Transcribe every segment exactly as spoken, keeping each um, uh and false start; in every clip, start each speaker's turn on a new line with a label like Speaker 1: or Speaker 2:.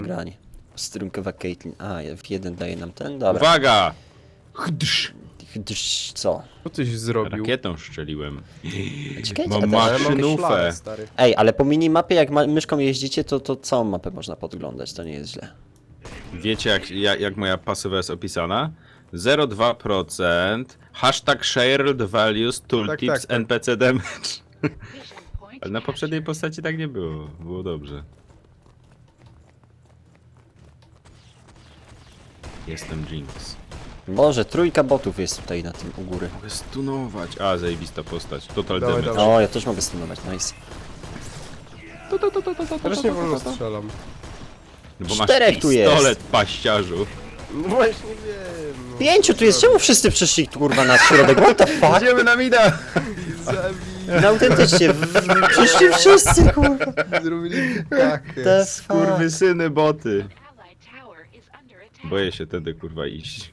Speaker 1: broń. Strunkowa Caitlyn. A, w jeden daje nam ten, dobra.
Speaker 2: Uwaga! Chdrz.
Speaker 1: Gdyż co?
Speaker 3: Co tyś zrobił?
Speaker 2: Rakietą strzeliłem.
Speaker 1: Czekajcie,
Speaker 2: Mam
Speaker 1: a
Speaker 3: Ale
Speaker 1: teraz-
Speaker 3: mam
Speaker 2: maszynówę.
Speaker 3: szlak, stary.
Speaker 1: Ej, ale po minimapie jak ma myszką jeździcie, to, to całą mapę można podglądać, to nie jest źle.
Speaker 2: Wiecie jak, jak, jak moja pasywa jest opisana? zero przecinek dwa procent hashtag shared values tooltips
Speaker 3: Tak, tak, tak.
Speaker 2: N P C damage. Ale na poprzedniej postaci tak nie było. Było dobrze. Jestem Jinx.
Speaker 1: Boże, trójka botów jest tutaj na tym u góry.
Speaker 2: Mogę stunować. A, zajebista postać. Total
Speaker 3: Dawaj,
Speaker 2: damage.
Speaker 3: dawaj.
Speaker 1: O, ja też mogę stunować, nice.
Speaker 3: Teraz nie wolno strzelam.
Speaker 2: No bo masz
Speaker 1: Czterech tu jest.
Speaker 2: pistolet, paściarzu.
Speaker 3: No właśnie wiem. No.
Speaker 1: Pięciu tu jest, czemu wszyscy przyszli kurwa na środek? What the fuck?
Speaker 2: Idziemy na mida!
Speaker 3: Zabij.
Speaker 1: No autentycznie, w- w- przyszli wszyscy kurwa.
Speaker 3: Zrobili kakę.
Speaker 1: The fuck?
Speaker 2: Kurwysyny boty.
Speaker 4: Allied tower is under attack.
Speaker 2: Boję się tedy kurwa iść.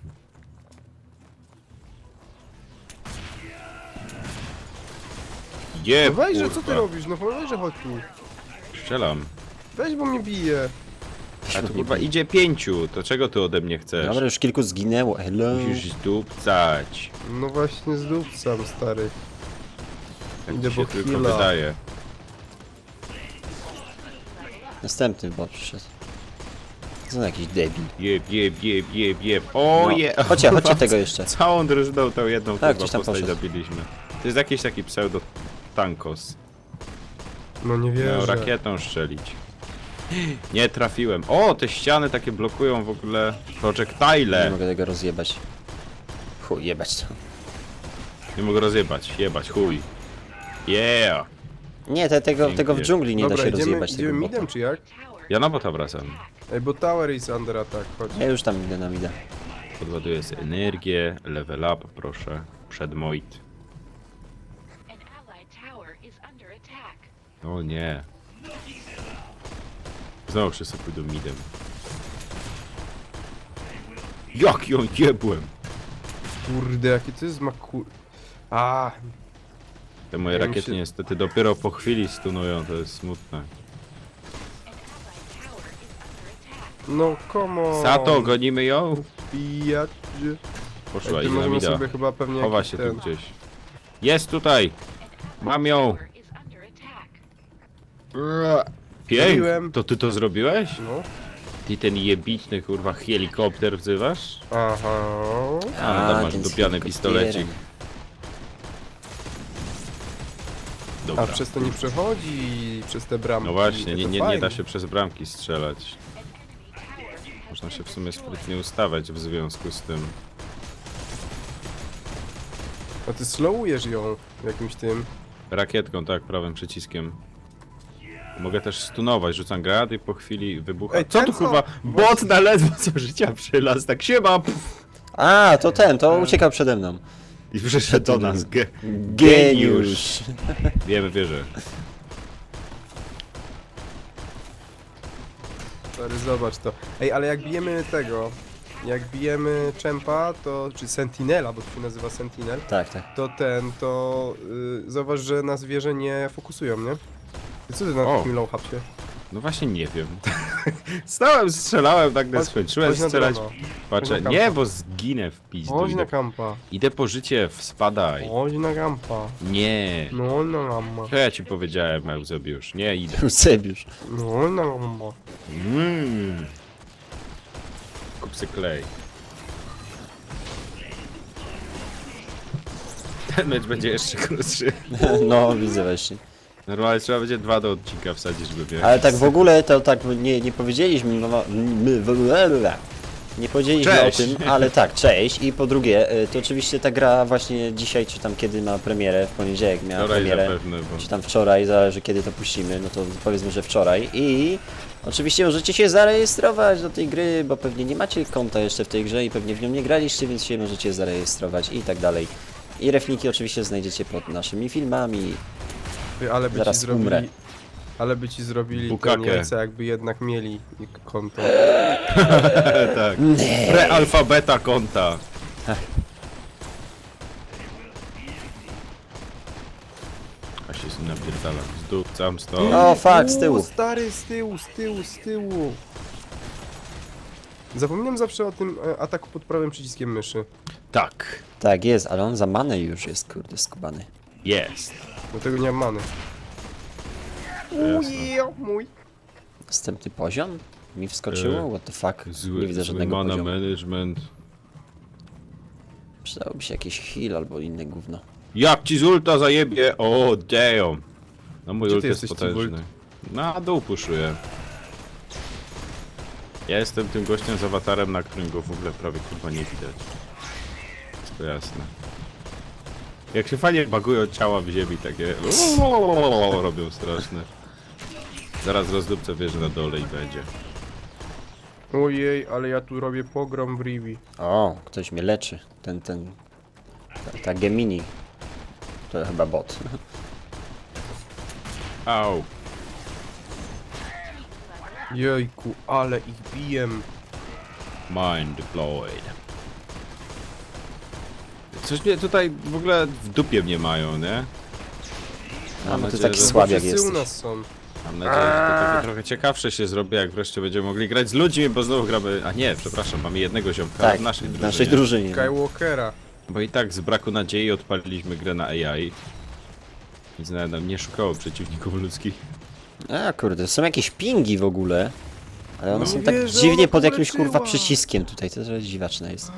Speaker 2: Je,
Speaker 3: No weź, że co ty
Speaker 2: kurwa.
Speaker 3: robisz? No weź, że chodź tu.
Speaker 2: Strzelam.
Speaker 3: Weź, bo mnie bije.
Speaker 2: A tu kurwa idzie pięciu, to czego ty ode mnie chcesz?
Speaker 1: Dobra, już kilku zginęło, hello.
Speaker 2: Musisz zdupcać.
Speaker 3: No właśnie zdupcam, stary.
Speaker 2: Tak
Speaker 3: Idę
Speaker 2: ci się
Speaker 3: po
Speaker 2: tylko
Speaker 3: chwila.
Speaker 2: wydaje.
Speaker 1: Następny bot przyszedł. Co za jakiś debil.
Speaker 2: Jeb, jeb, jeb, jeb, jeb. O
Speaker 1: No,
Speaker 2: je!
Speaker 1: chodźcie, chodźcie tego jeszcze.
Speaker 2: Całą drużyną tą jedną
Speaker 1: Tak,
Speaker 2: kurwa
Speaker 1: gdzieś tam
Speaker 2: postać
Speaker 1: poszedł.
Speaker 2: zabiliśmy. To jest jakiś taki pseudo tankos.
Speaker 3: No nie
Speaker 2: Miał
Speaker 3: wierzę.
Speaker 2: rakietą strzelić. Nie trafiłem. O, te ściany takie blokują w ogóle
Speaker 1: Nie
Speaker 2: projectile.
Speaker 1: mogę tego rozjebać. Chuj, jebać to.
Speaker 2: Nie mogę rozjebać. Jebać, chuj. Yeah!
Speaker 1: Nie, te, tego, tego w
Speaker 2: Pięknie.
Speaker 1: dżungli nie
Speaker 3: Dobra,
Speaker 1: da się
Speaker 3: idziemy,
Speaker 1: rozjebać
Speaker 3: idziemy
Speaker 1: tego
Speaker 3: midem
Speaker 1: bota.
Speaker 3: czy jak?
Speaker 2: Ja na bota wracam.
Speaker 3: Ej, bo tower is under attack, chodź.
Speaker 1: Ja już tam idę na mida.
Speaker 2: Podładuję sobie energię, level up, proszę. Przed moit.
Speaker 4: An allied tower is under attack.
Speaker 2: O nie. Znowu wszyscy pójdą midem. Jak ją jebłem?
Speaker 3: Kurde, jaki to jest maku... A,
Speaker 2: Te moje
Speaker 3: Ja mi
Speaker 2: rakiety
Speaker 3: się-
Speaker 2: niestety dopiero po chwili stunują, to jest smutne.
Speaker 4: An allied tower is under attack.
Speaker 3: no come on.
Speaker 2: Sato, gonimy ją?
Speaker 3: Pijacie.
Speaker 2: Poszła,
Speaker 3: Ej,
Speaker 2: idzie
Speaker 3: tu
Speaker 2: na
Speaker 3: możemy
Speaker 2: mida.
Speaker 3: sobie chyba pewnie
Speaker 2: Chowa
Speaker 3: jakiś
Speaker 2: się
Speaker 3: ten...
Speaker 2: tu gdzieś. Jest tutaj! Mam ją!
Speaker 4: Tower is under attack.
Speaker 2: Pięk!
Speaker 3: Zrobiłem.
Speaker 2: To ty to zrobiłeś?
Speaker 3: No.
Speaker 2: Ty ten jebitny kurwa helikopter wzywasz?
Speaker 3: Aha.
Speaker 2: A, tam masz
Speaker 1: ten z
Speaker 2: dupiany
Speaker 1: helikopterem.
Speaker 2: pistolecik. Dobra.
Speaker 3: A przez to nie przechodzi, przez te bramki.
Speaker 2: No właśnie, nie,
Speaker 3: To
Speaker 2: nie, nie
Speaker 3: fajnie.
Speaker 2: da się przez bramki strzelać. Można się w sumie sprytnie ustawiać w związku z tym.
Speaker 3: A ty slowujesz ją jakimś tym.
Speaker 2: Rakietką, tak, prawym przyciskiem. Mogę też stunować, rzucam granat i po chwili wybucha.
Speaker 3: Ej,
Speaker 2: Co
Speaker 3: ten
Speaker 2: tu
Speaker 3: co?
Speaker 2: kurwa? Bot na ledwo co życia przylazł, tak siema! Pff,
Speaker 1: A, to ten, to uciekał przede mną.
Speaker 2: I przyszedł do nas. Ge
Speaker 1: Geniusz.
Speaker 2: Wiemy, wierzę.
Speaker 3: Stary, zobacz to. Ej, ale jak bijemy tego, jak bijemy Czempa, to, czy Sentinela, bo to się nazywa Sentinel,
Speaker 1: Tak, tak.
Speaker 3: to ten, to yy, zauważ, że na zwierzę nie fokusują, nie? I co ty na
Speaker 2: O.
Speaker 3: takim low hapsie?
Speaker 2: No właśnie nie wiem. Stałem, strzelałem, tak
Speaker 3: Chodź-
Speaker 2: skończyłem
Speaker 3: chodź na
Speaker 2: strzelać.
Speaker 3: drona.
Speaker 2: Patrzę,
Speaker 3: Chodź na
Speaker 2: nie,
Speaker 3: kampa.
Speaker 2: bo zginę w pizdu.
Speaker 3: Chodź na
Speaker 2: Idę,
Speaker 3: kampa.
Speaker 2: idę po życie, spadaj.
Speaker 3: Chodź na kampa.
Speaker 2: Nie.
Speaker 3: No na kampa.
Speaker 2: Co ja ci powiedziałem, Eusebiusz? Nie, idę.
Speaker 1: Eusebiusz.
Speaker 3: No na kampa.
Speaker 2: Mmm. Kup se klej. Ten mecz będzie jeszcze krótszy.
Speaker 1: No, widzę właśnie.
Speaker 2: Normalnie trzeba będzie dwa do odcinka wsadzić, żeby mieć.
Speaker 1: Ale tak w ogóle to tak nie, nie powiedzieliśmy, no, my, my, nie powiedzieliśmy
Speaker 2: Cześć.
Speaker 1: o tym, ale tak, cześć. I po drugie, y, to oczywiście ta gra właśnie dzisiaj, czy tam kiedy ma premierę, w poniedziałek miała
Speaker 2: Wczoraj
Speaker 1: premierę,
Speaker 2: zapewne, bo...
Speaker 1: czy tam wczoraj, zależy kiedy to puścimy, no to powiedzmy, że wczoraj. I oczywiście możecie się zarejestrować do tej gry, bo pewnie nie macie konta jeszcze w tej grze i pewnie w nią nie graliście, więc się możecie zarejestrować i tak dalej. I refniki oczywiście znajdziecie pod naszymi filmami.
Speaker 3: Ty, Ale by
Speaker 1: Zaraz
Speaker 3: ci zrobili...
Speaker 1: umrę.
Speaker 3: Ale by ci zrobili
Speaker 2: Bukakę.
Speaker 3: Niemcy, jakby jednak mieli konto.
Speaker 2: tak. Prealfabeta konta. A się z nim napierdalam. Zdupcam stąd.
Speaker 1: O, fuck, z tyłu.
Speaker 3: U, stary, z tyłu, z tyłu, z tyłu. Zapominam zawsze o tym e, ataku pod prawym przyciskiem myszy.
Speaker 2: Tak,
Speaker 1: Tak jest, ale on za manę już jest, kurde, skubany.
Speaker 2: jest.
Speaker 3: Do tego nie mam many.
Speaker 2: Jasne.
Speaker 3: Ujo, mój.
Speaker 1: Następny poziom? Mi wskoczyło?
Speaker 2: E,
Speaker 1: What the fuck?
Speaker 2: Zły,
Speaker 1: Nie widzę
Speaker 2: zły
Speaker 1: żadnego
Speaker 2: mana
Speaker 1: poziomu.
Speaker 2: management.
Speaker 1: Przydałoby się jakiś heal albo inne gówno.
Speaker 2: Jak ci z ulta zajebie? O, damn. No mój
Speaker 3: Gdzie
Speaker 2: ult
Speaker 3: ty
Speaker 2: jest
Speaker 3: jesteś,
Speaker 2: potężny.
Speaker 3: Cibult?
Speaker 2: Na dół puszuję. Ja jestem tym gościem z awatarem, na którym go w ogóle prawie kurwa nie widać. Wszystko jasne. Jak się fajnie bagują ciała w ziemi, takie robią straszne. Zaraz rozdupcę wieżę na dole i będzie.
Speaker 3: Ojej, ale ja tu robię pogrom w Rivi.
Speaker 1: O, ktoś mnie leczy. Ten, ten... Ta, ta Gemini. To chyba bot.
Speaker 2: Au.
Speaker 3: Jejku, ale ich biję.
Speaker 2: Mind deployed. Coś mnie tutaj w ogóle w dupie mnie mają, nie?
Speaker 1: A,
Speaker 2: Mam
Speaker 1: bo ty
Speaker 2: nadzieję,
Speaker 1: taki
Speaker 2: że-
Speaker 1: słabiak
Speaker 3: Wszyscy u
Speaker 1: jesteś.
Speaker 3: nas są.
Speaker 2: Mam nadzieję, że to takie trochę ciekawsze się zrobi, jak wreszcie będziemy mogli grać z ludźmi, bo znowu gramy... A nie, przepraszam, mamy jednego ziomka
Speaker 1: Tak,
Speaker 2: w naszej
Speaker 1: w
Speaker 2: drużynie.
Speaker 1: naszej drużynie. no.
Speaker 3: Skywalkera.
Speaker 2: Bo i tak z braku nadziei odpaliliśmy grę na A I. Nic nawet nam nie szukało przeciwników ludzkich.
Speaker 1: A kurde, są jakieś pingi w ogóle. Ale one
Speaker 3: No
Speaker 1: są
Speaker 3: nie
Speaker 1: tak
Speaker 3: wierzę,
Speaker 1: dziwnie
Speaker 3: ona
Speaker 1: pod jakimś
Speaker 3: poleciła.
Speaker 1: kurwa przyciskiem tutaj, to trochę dziwaczne jest.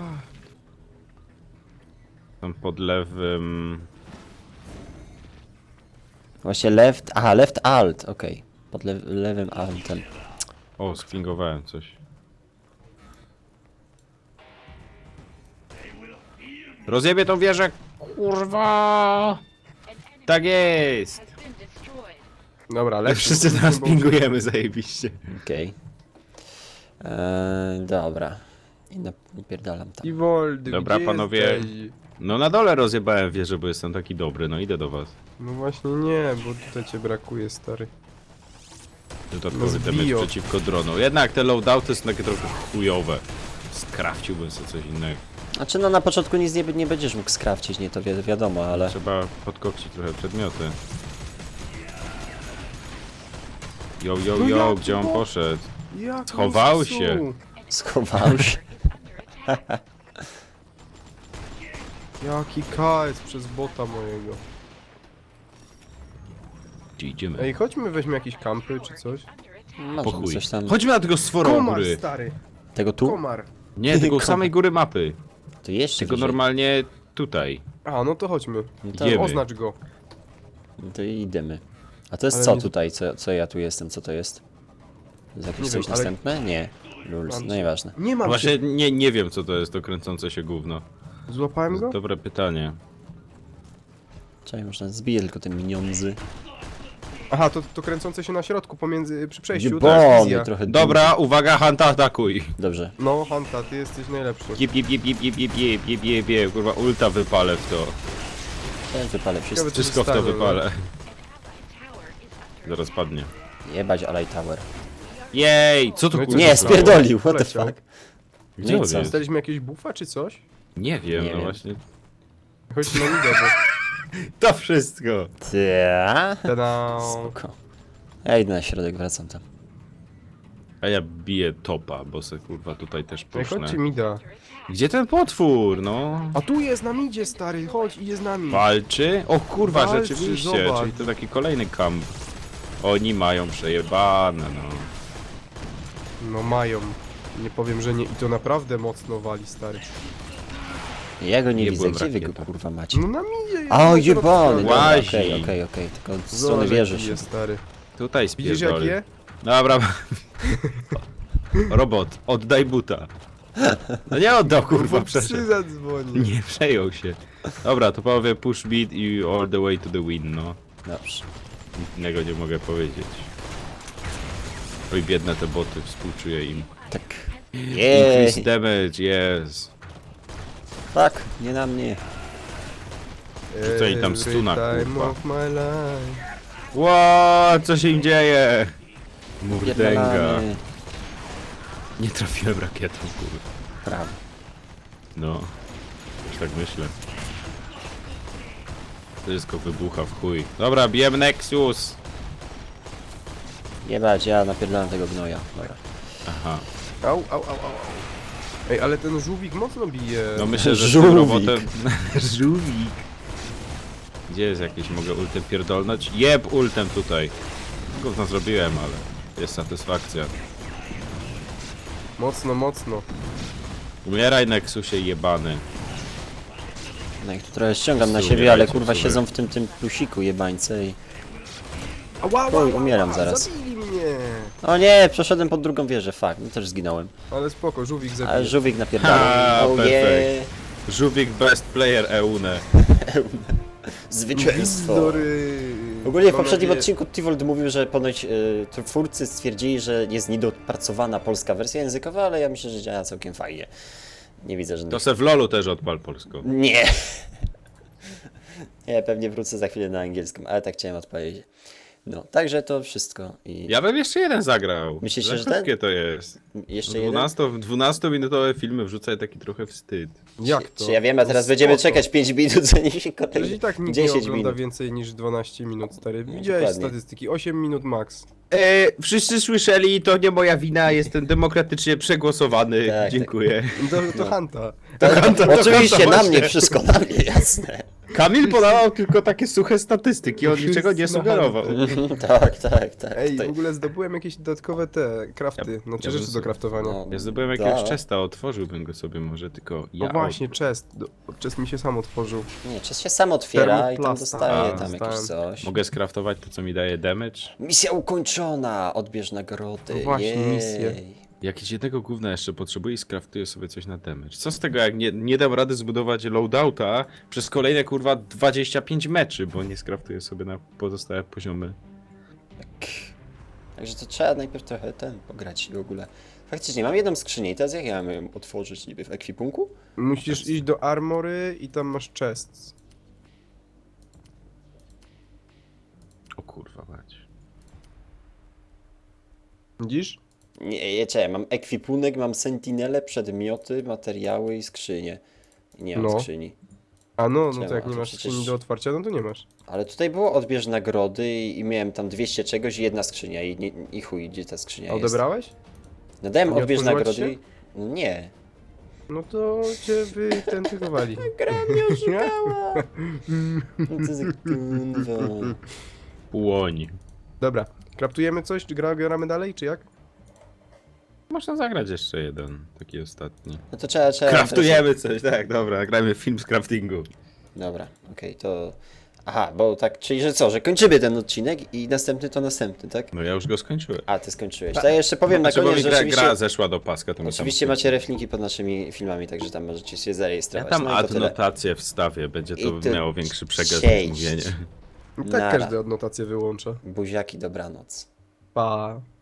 Speaker 2: Tam pod lewym...
Speaker 1: Właśnie left, aha, left alt, okej. Pod le lewym altem.
Speaker 2: O, sklingowałem coś. Rozjebie tą wieżę! Kurwa! Tak jest!
Speaker 4: Been destroyed.
Speaker 3: Dobra, lepszy.
Speaker 2: Wszyscy teraz pingujemy zajebiście.
Speaker 1: Okej. Eee, dobra. I napierdalam tam.
Speaker 3: I Woldy,
Speaker 2: Dobra,
Speaker 3: gdzie
Speaker 2: panowie.
Speaker 3: jesteś?
Speaker 2: No na dole rozjebałem wieżę, bo jestem taki dobry, no idę do was.
Speaker 3: No właśnie nie, bo tutaj cię brakuje, stary.
Speaker 2: Dodatkowy
Speaker 3: No
Speaker 2: damage
Speaker 3: zbijo.
Speaker 2: przeciwko dronom. Jednak te loadouty są takie trochę chujowe. Skrafciłbym sobie coś innego.
Speaker 1: Znaczy no na początku nic nie, nie będziesz mógł skrawcić, nie to wi wiadomo, ale...
Speaker 2: Trzeba podkopcić trochę przedmioty. Yo, yo,
Speaker 3: No
Speaker 2: yo,
Speaker 3: jak
Speaker 2: gdzie on
Speaker 3: to?
Speaker 2: poszedł?
Speaker 3: Jak
Speaker 2: Schował
Speaker 3: on
Speaker 2: się.
Speaker 3: zepsuł?
Speaker 1: Schował się.
Speaker 3: Jaki K S przez bota mojego.
Speaker 2: Gdzie idziemy?
Speaker 3: Ej, chodźmy weźmy jakieś kampy czy coś.
Speaker 2: Po
Speaker 1: Może
Speaker 2: chuj.
Speaker 1: coś tam...
Speaker 2: Chodźmy na tego stwora u
Speaker 3: Komar,
Speaker 2: góry.
Speaker 3: stary.
Speaker 1: Tego tu?
Speaker 3: Komar.
Speaker 2: Nie, tylko u
Speaker 1: Komar.
Speaker 2: samej góry mapy.
Speaker 1: To jeszcze
Speaker 2: Tylko
Speaker 1: wyżej.
Speaker 2: normalnie tutaj.
Speaker 3: A, no to chodźmy.
Speaker 1: No to,
Speaker 2: Idziemy.
Speaker 3: Oznacz go.
Speaker 1: no to idziemy. A to jest
Speaker 3: Ale
Speaker 1: co
Speaker 3: nie-
Speaker 1: tutaj? Co, co ja tu jestem? Co to jest? To jest jakieś
Speaker 3: Nie
Speaker 1: coś
Speaker 3: wiem, ale-
Speaker 1: następne? Nie. Lulz,
Speaker 3: Mam
Speaker 1: no
Speaker 3: cię.
Speaker 1: nieważne.
Speaker 3: Nie mam
Speaker 2: Właśnie
Speaker 3: się.
Speaker 2: nie, nie wiem co to jest to kręcące się gówno.
Speaker 3: Złapałem go?
Speaker 2: Dobre pytanie.
Speaker 1: Czekaj, można zbiję tylko te miniądzy.
Speaker 3: Aha, to, to kręcące się na środku pomiędzy, przy przejściu,
Speaker 1: Bo,
Speaker 3: tak,
Speaker 1: mnie
Speaker 3: wizja.
Speaker 1: trochę...
Speaker 2: Dobra, uwaga, Hanta atakuj.
Speaker 1: Dobrze.
Speaker 3: No, Hanta, ty jesteś najlepszy.
Speaker 2: Jeb, jeb, jeb, jeb, jeb, jeb, jeb, jeb, jeb, jeb, kurwa, ulta wypalę w to.
Speaker 1: Też wypalę wszystko.
Speaker 3: Ciekawe, co
Speaker 2: Wszystko w to
Speaker 3: stanie, no.
Speaker 2: wypalę.
Speaker 4: Tower is under
Speaker 2: Zaraz padnie.
Speaker 1: Jebać Alay Tower.
Speaker 2: Jej, co to
Speaker 3: No i co
Speaker 2: kurwa
Speaker 1: Nie,
Speaker 2: stało?
Speaker 1: spierdolił, what the
Speaker 3: Poleciał.
Speaker 1: fuck.
Speaker 2: Gdzie
Speaker 1: No i
Speaker 2: on
Speaker 1: co?
Speaker 2: jest?
Speaker 3: Dostaliśmy jakieś buffa czy coś?
Speaker 2: Nie wiem,
Speaker 1: Nie
Speaker 2: no
Speaker 1: wiem.
Speaker 2: właśnie.
Speaker 3: Chodź na idę, bo...
Speaker 2: To wszystko.
Speaker 1: Ta.
Speaker 3: Tada.
Speaker 1: Spoko. Ja idę na środek, wracam tam.
Speaker 2: A ja biję topa, bo se kurwa tutaj też
Speaker 3: Ej,
Speaker 2: posznę.
Speaker 3: chodźcie mi da.
Speaker 2: Gdzie ten potwór, no?
Speaker 3: A tu jest, nam idzie, stary, chodź, idzie z nami.
Speaker 2: Walczy? O kurwa,
Speaker 3: Walczy,
Speaker 2: rzeczywiście,
Speaker 3: zobacz.
Speaker 2: czyli to taki kolejny kamp. Oni mają przejebane, no.
Speaker 3: No mają. Nie powiem, że nie. I to naprawdę mocno wali, stary.
Speaker 1: Ja go nie,
Speaker 2: Nie
Speaker 1: widzę,
Speaker 2: byłem
Speaker 1: gdzie wy go
Speaker 2: rakietą.
Speaker 1: kurwa macie?
Speaker 3: No nam idzie.
Speaker 1: A,
Speaker 3: na
Speaker 1: jebany,
Speaker 3: środku.
Speaker 1: dobra,
Speaker 2: Łazi.
Speaker 1: okej, okej, okej, tylko od strony
Speaker 3: Zobacz,
Speaker 1: wieży
Speaker 3: jaki
Speaker 1: się.
Speaker 3: jest, stary.
Speaker 2: Tutaj
Speaker 3: Widzisz jak
Speaker 2: spierdoli.
Speaker 3: je?
Speaker 2: Dobra. Robot, oddaj buta. No nie oddał, kurwa,
Speaker 3: Bo psy
Speaker 2: przeszedł.
Speaker 3: zadzwoni.
Speaker 2: Nie przejął się. Dobra, to powie push beat i all the way to the win, no.
Speaker 1: Dobrze.
Speaker 2: Nic innego nie mogę powiedzieć. Oj, biedne te boty, współczuję im.
Speaker 1: Tak.
Speaker 2: Increase
Speaker 1: Jej.
Speaker 2: damage, yes.
Speaker 1: Tak, nie na mnie.
Speaker 2: Rzucaj tam stuna,
Speaker 3: Every time
Speaker 2: kurwa.
Speaker 3: of my life.
Speaker 2: Ło, co się im dzieje? Murdęga.
Speaker 1: Pierdolamy.
Speaker 2: Nie trafiłem rakietą, kurwa.
Speaker 1: Prawo.
Speaker 2: No, już tak myślę. Wszystko wybucha w chuj. Dobra, bijemy Nexus!
Speaker 1: Jebać, ja napierdalam tego gnoja. Dobra.
Speaker 2: Aha.
Speaker 3: Au, au, au, au. au. Ej, ale ten żółwik mocno bije.
Speaker 2: No myślę, że z
Speaker 1: Żółwik.
Speaker 2: tym robotem... Żółwik. Gdzie jest jakiś? Mogę ultem pierdolnąć? Jeb ultem tutaj. Gówno zrobiłem, ale jest satysfakcja.
Speaker 3: Mocno, mocno.
Speaker 2: Umieraj, Nexusie jebany.
Speaker 1: No ich tu trochę ściągam na
Speaker 2: Słuchaj,
Speaker 1: siebie, ale
Speaker 2: słuchaj.
Speaker 1: kurwa siedzą w tym tym plusiku jebańce i...
Speaker 3: Ała, ała,
Speaker 1: Oj,
Speaker 3: ała,
Speaker 1: umieram
Speaker 3: ała,
Speaker 1: zaraz.
Speaker 3: Zabili mnie.
Speaker 1: O nie, przeszedłem pod drugą wieżę, fuck, no też zginąłem.
Speaker 3: Ale spoko, żółwik
Speaker 1: Ale
Speaker 3: zabije.
Speaker 1: żółwik napierdalał.
Speaker 2: Ha,
Speaker 1: Oh
Speaker 2: perfekt.
Speaker 1: yeah.
Speaker 2: Żółwik best player E U N E.
Speaker 1: Zwycięstwo.
Speaker 3: Bzdury.
Speaker 1: Ogólnie w
Speaker 3: Mam
Speaker 1: poprzednim
Speaker 3: nadzieję-
Speaker 1: odcinku Tivold mówił, że ponoć y, twórcy stwierdzili, że jest niedopracowana polska wersja językowa, ale ja myślę, że działa całkiem fajnie. Nie widzę żadnych...
Speaker 2: To se w lolu też odpal polską.
Speaker 1: Nie! Nie, pewnie wrócę za chwilę na angielskim, ale tak chciałem odpowiedzieć. No, także to wszystko. I
Speaker 2: Ja bym jeszcze jeden zagrał.
Speaker 1: Myślicie,
Speaker 2: Za
Speaker 1: że ten?
Speaker 2: krótkie to jest.
Speaker 1: jeszcze jeden?
Speaker 2: dwunastominutowe filmy wrzucaj taki trochę wstyd.
Speaker 3: Jak to?
Speaker 1: Czy ja wiem, a teraz
Speaker 3: No
Speaker 1: będziemy
Speaker 3: spoko.
Speaker 1: czekać pięć minut, zanim się
Speaker 3: Przecież
Speaker 1: kolejny...
Speaker 3: i tak nikt nie
Speaker 1: dziesięć
Speaker 3: ogląda
Speaker 1: minut.
Speaker 3: więcej niż dwanaście minut, stary.
Speaker 1: No,
Speaker 3: Widziałeś
Speaker 1: dokładnie.
Speaker 3: statystyki, osiem minut max.
Speaker 2: E, wszyscy słyszeli, to nie moja wina, jestem demokratycznie przegłosowany.
Speaker 1: Tak,
Speaker 2: Dziękuję.
Speaker 3: To, to Hanta.
Speaker 1: Tak,
Speaker 2: to- to-
Speaker 1: oczywiście,
Speaker 2: to
Speaker 1: na
Speaker 2: właśnie.
Speaker 1: mnie, wszystko na mnie, jasne.
Speaker 2: Kamil podawał tylko takie suche statystyki, on
Speaker 3: Wszyscy
Speaker 2: niczego nie
Speaker 3: na
Speaker 2: sugerował.
Speaker 1: tak, tak, tak.
Speaker 3: Ej,
Speaker 1: tutaj-
Speaker 3: w ogóle zdobyłem jakieś dodatkowe te krafty,
Speaker 2: Ja-
Speaker 3: znaczy
Speaker 2: ja bym
Speaker 3: rzeczy do
Speaker 2: sobie-
Speaker 3: kraftowania.
Speaker 1: no,
Speaker 2: Ja zdobyłem jakiegoś
Speaker 1: da.
Speaker 2: chesta, otworzyłbym go sobie może, tylko ja...
Speaker 3: No właśnie, chest. Do- Chest mi się sam otworzył.
Speaker 1: Nie, czas się sam otwiera i tam
Speaker 3: Termoplasta.
Speaker 1: dostaje
Speaker 2: A,
Speaker 1: tam jakieś
Speaker 3: dostałem.
Speaker 1: coś.
Speaker 2: Mogę skraftować to, co mi daje damage?
Speaker 1: Misja ukończona! Odbierz nagrody.
Speaker 3: No właśnie,
Speaker 1: Jej.
Speaker 3: misję.
Speaker 2: Jakieś jednego gówna jeszcze potrzebuję i skraftuję sobie coś na damage. Co z tego, jak nie, nie dam rady zbudować loadouta przez kolejne kurwa dwadzieścia pięć meczy, bo nie skraftuję sobie na pozostałe poziomy.
Speaker 1: Także to trzeba najpierw trochę ten pograć w ogóle. Faktycznie, mam jedną skrzynię i teraz jak ja mam ją otworzyć niby w ekwipunku?
Speaker 3: Musisz iść do armory i tam masz chest.
Speaker 2: O kurwa mać.
Speaker 3: Widzisz?
Speaker 1: Nie, nie, czekaj, mam ekwipunek, mam sentinele, przedmioty, materiały i skrzynie. I nie mam
Speaker 3: No.
Speaker 1: skrzyni.
Speaker 3: A no, no
Speaker 1: Czemu?
Speaker 3: to jak
Speaker 1: A
Speaker 3: nie
Speaker 1: to
Speaker 3: masz
Speaker 1: przecież-
Speaker 3: skrzyni do otwarcia, no to nie masz.
Speaker 1: Ale tutaj było odbierz nagrody i, i miałem tam dwieście czegoś i jedna skrzynia i, nie, i chuj, gdzie ta skrzynia
Speaker 3: A
Speaker 1: jest.
Speaker 3: odebrałeś?
Speaker 1: No dałem
Speaker 3: Nie
Speaker 1: odbierz
Speaker 3: otworzyła
Speaker 1: nagrody
Speaker 3: ci
Speaker 1: i... No nie.
Speaker 3: No to cię wytentygowali.
Speaker 1: Gra mnie oszukała. No to za kurwa.
Speaker 2: Płoń.
Speaker 3: Dobra, kraftujemy coś, czy gra, gramy dalej, czy jak?
Speaker 2: Można zagrać jeszcze jeden, taki ostatni.
Speaker 1: No to trzeba, trzeba...
Speaker 2: Kraftujemy coś, tak, dobra, nagrajmy film z craftingu.
Speaker 1: Dobra, okej, to... Aha, bo tak, czyli że co, że kończymy ten odcinek i następny to następny, tak?
Speaker 2: No ja już go skończyłem.
Speaker 1: A, ty skończyłeś. To ja jeszcze powiem na
Speaker 2: Znaczy, bo
Speaker 1: koniec,
Speaker 2: mi
Speaker 1: że
Speaker 2: gra,
Speaker 1: oczywiście...
Speaker 2: gra zeszła do paska, to my
Speaker 1: Oczywiście
Speaker 2: tam
Speaker 1: macie reflinki pod naszymi filmami, także tam możecie się
Speaker 2: Ja
Speaker 1: zarejestrować.
Speaker 2: tam
Speaker 1: no i to tyle.
Speaker 2: adnotację wstawię, będzie to
Speaker 1: I tu
Speaker 2: miało większy przegląd
Speaker 1: cześć.
Speaker 2: mówienie.
Speaker 3: I tak
Speaker 1: Nara.
Speaker 3: każdy adnotację wyłącza.
Speaker 1: Buziaki, dobranoc.
Speaker 3: Pa.